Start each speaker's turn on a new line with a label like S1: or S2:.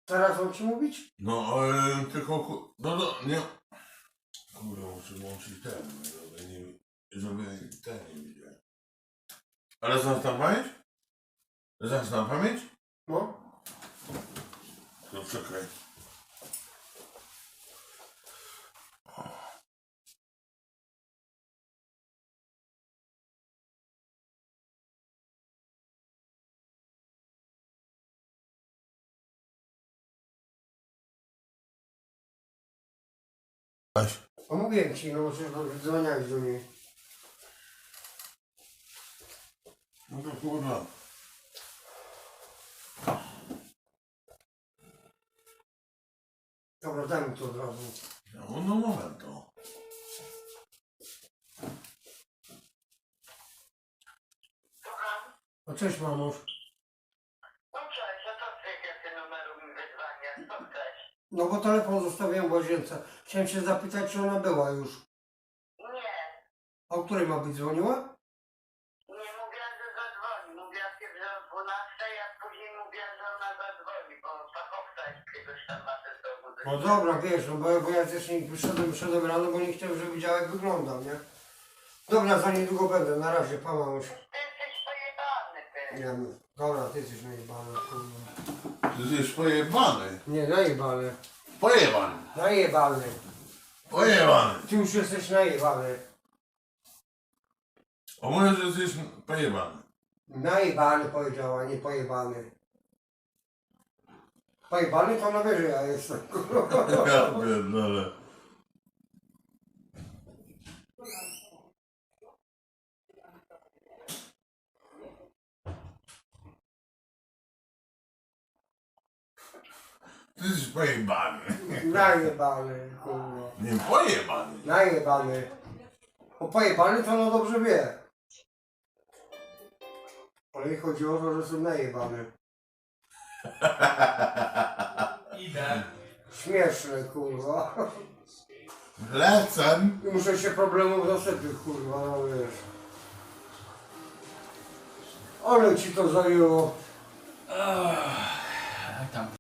S1: Teraz mam ci mówić?
S2: No, tylko, nie. Kurde, muszę włączyć ten, żeby ten nie widział. Ale znasz na pamięć? Znasz na pamięć?
S1: No.
S2: No czekaj. Weź.
S1: No mówiłem ci, no że dzwoniłeś do niej.
S2: No to kurwa.
S1: Dobra, daj mi to od razu.
S2: No moment to.
S1: No cześć mamuś.
S3: No cześć, a to z jakiego numeru mi wyzwania? Co chcesz?
S1: No bo telefon zostawiłem w łazience. Chciałem się zapytać, czy ona była już.
S3: Nie,
S1: A o której ma być dzwoniła?
S3: nie mówiła, że zadzwoni. Mówiła pierw o 12, a później mówiła, że ona zadzwoni, bo fachowca jakiegoś tam ma ze sobą.
S1: No dobra, wiesz, no bo ja też nie wyszedłem rano, bo nie chciałem, żeby widziała jak wyglądam, nie? Dobra, za niedługo będę, na razie, pa mamuś.
S3: Ty jesteś pojebany, ty.
S1: Nie wiem. Dobra, ty jesteś najebany, kurwa.
S2: Ty jesteś pojebany.
S1: Nie, najebany.
S2: Pojebany.
S1: Najebany.
S2: Pojebany.
S1: Ty już jesteś najebany.
S2: O może, że jesteś pojebany.
S1: Najebany powiedziała, nie pojebany. Pojebany to ona wie, że ja jestem.
S2: Ja pierdolę. Ty jesteś pojebany.
S1: Najebany, kurwa.
S2: Nie pojebany.
S1: Najebany. Bo pojebany to ona dobrze wie. Ale jej chodzi o to, że są najebane.
S4: Idę.
S1: Śmieszne, kurwa.
S2: Lecę.
S1: I muszę się problemów zasypić, kurwa, no wiesz. Ale ci to zajęło.
S4: Jak tam